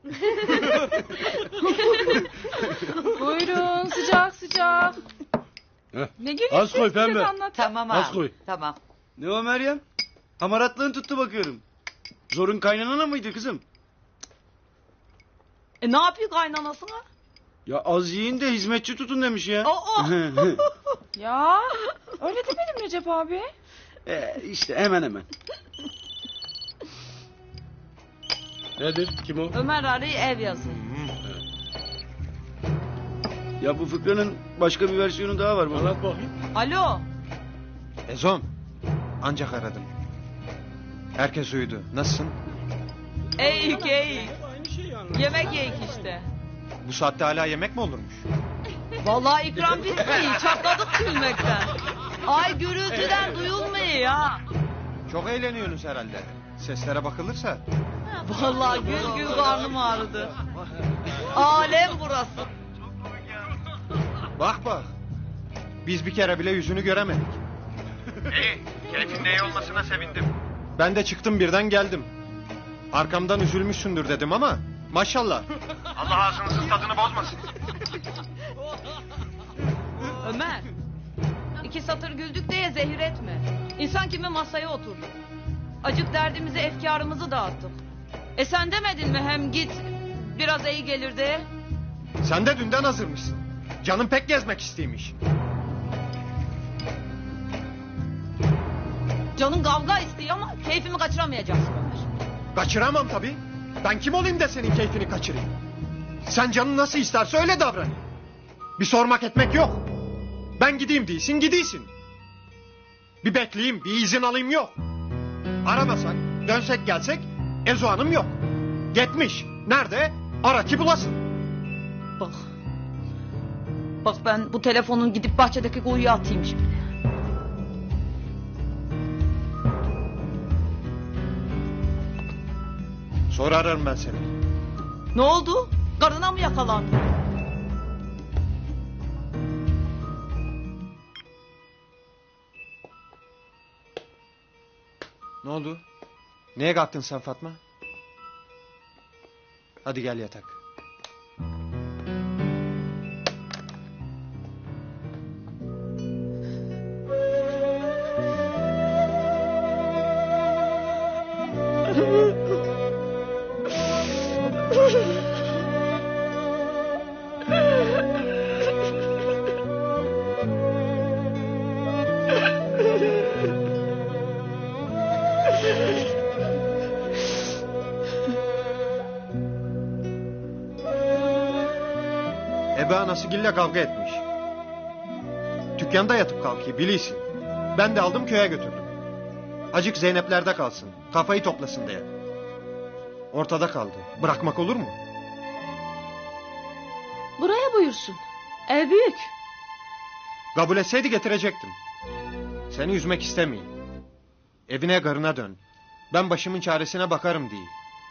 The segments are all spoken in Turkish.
Buyurun sıcak sıcak. Ne gülüyorsun? Az koy pembe. Tamam Az abi. koy. Tamam. Ne o Meryem? Hamaratlığın tuttu bakıyorum. Zorun kaynanana mıydı kızım? Ne yapıyor kaynanasına? Ya az yiyin de hizmetçi tutun demiş ya. Ya öyle demedim Recep abi. işte hemen hemen. Nedir? Kim o? Ömer arayı ev yazıyor. Ya bu fıkranın başka bir versiyonu daha var baba. Anlat bakayım. Alo. Ezom. Ancak aradım. Herkes uyudu. Nasılsın? Eğik. Aynı şeyi anlat. Yemek yiyik işte. Bu saatte hala yemek mi olurmuş? Vallahi ikram bitmiyor. Çatladık gülmekten. Ay gürültüden duyulmuyor ya. Çok eğleniyorsunuz herhalde. Seslere bakılırsa. Vallahi gül gül karnım ağrıdı. Alem burası. Bak bak. Biz bir kere bile yüzünü göremedik. İyi. Keyfinde iyi olmasına sevindim. Ben de çıktım birden geldim. Arkamdan üzülmüşsündür dedim ama maşallah. Allah ağzınızın tadını bozmasın. Ömer. 2 satır güldük diye zehir etme. İnsan kimi masaya oturdu. Acık derdimizi, efkarımızı dağıttık. Sen demedin mi hem git biraz iyi gelir diye? Sen de dünden hazırmışsın. Canım pek gezmek isteymiş. Canın kavga istiyor ama keyfimi kaçıramayacaksın Ömer. Kaçıramam tabii. Ben kim olayım da senin keyfini kaçırayım? Sen canın nasıl isterse öyle davran. Bir sormak etmek yok. Ben gideyim değilsin, gidiyorsun. Bir bekleyeyim, bir izin alayım yok. Aramasak, dönsek gelsek, Ezo Hanım yok. Gitmiş. Nerede? Ara ki bulasın. Bak. Bak ben bu telefonun gidip bahçedeki kuyuya atayım şimdi. Sonra ararım ben seni. Ne oldu? Karına mı yakalandın? Ne oldu? Neye kalktın sen Fatma? Hadi gel yatak. Ebe anası Gül'le kavga etmiş. Dükkanda yatıp kalkıyor biliyorsun. Ben de aldım köye götürdüm. Acık Zeynep'lerde kalsın. Kafayı toplasın diye. Ortada kaldı. Bırakmak olur mu? Buraya buyursun. Ev büyük. Kabul etseydi getirecektim. Seni üzmek istemeyeyim. Evine karına dön. Ben başımın çaresine bakarım diye.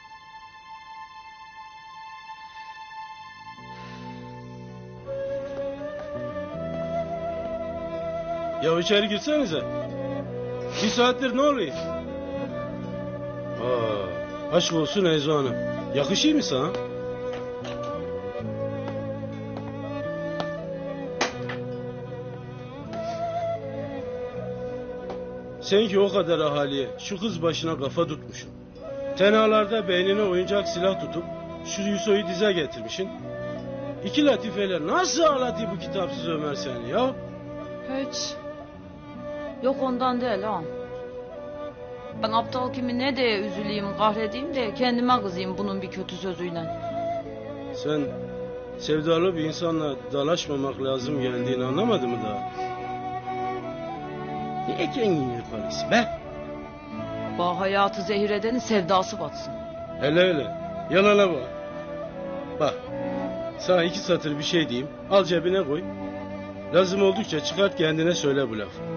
Ya içeri girsenize. 1 saattir ne oluyor? Aşk olsun Ezo Hanım. Yakışıyor mu sana? Sen ki o kadar ahaliye şu kız başına kafa tutmuşsun. Tenalarda beynine oyuncak silah tutup şu Yuso'yu dize getirmişsin. 2 latifeler nasıl ağlatıyor bu kitapsız Ömer seni ya? Hiç. Yok ondan değil ha. Ben aptal kimi ne diye üzüleyim, kahredeyim de kendime kızayım bunun bir kötü sözüyle. Sen sevdalı bir insanla dalaşmamak lazım geldiğini anlamadın mı daha? Niye kendini yaparsın be? Bak hayatı zehir edenin sevdası batsın. Hele yalana bak. Bak sana 2 satır bir şey diyeyim, al cebine koy. Lazım oldukça çıkart kendine söyle bu lafı.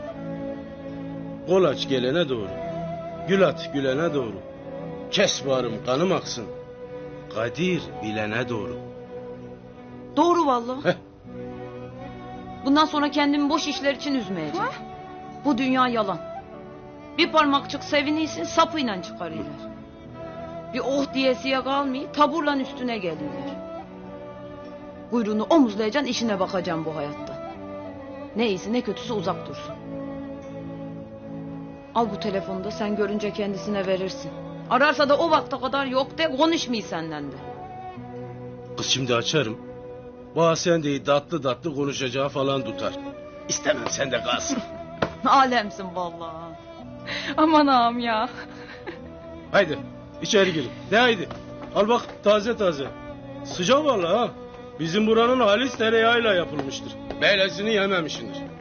Kol aç gelene doğru. Gül at gülene doğru. Kes bağrım kanım aksın. Kadir bilene doğru. Doğru vallahi. Heh. Bundan sonra kendimi boş işler için üzmeyeceğim. Bu dünya yalan. Bir parmakçık seviniysin sapıyla çıkarıyorlar. Bir oh diyesiye kalmayıp taburla üstüne geliyorlar. Kuyruğunu omuzlayacaksın, işine bakacaksın bu hayatta. Ne iyisi ne kötüsü uzak dursun. Al bu telefonu da sen görünce kendisine verirsin. Ararsa da o vakte kadar yok de, konuşmayı senden de. Kız şimdi açarım. Bana sen de tatlı tatlı konuşacağı falan tutar. İstemem sen de kalsın. Alemsin vallahi. Aman ağam ya. Haydi içeri girin. De haydi. Al bak taze taze. Sıcak vallahi ha. Bizim buranın halis tereyağıyla yapılmıştır. Böylesini yememişsindir.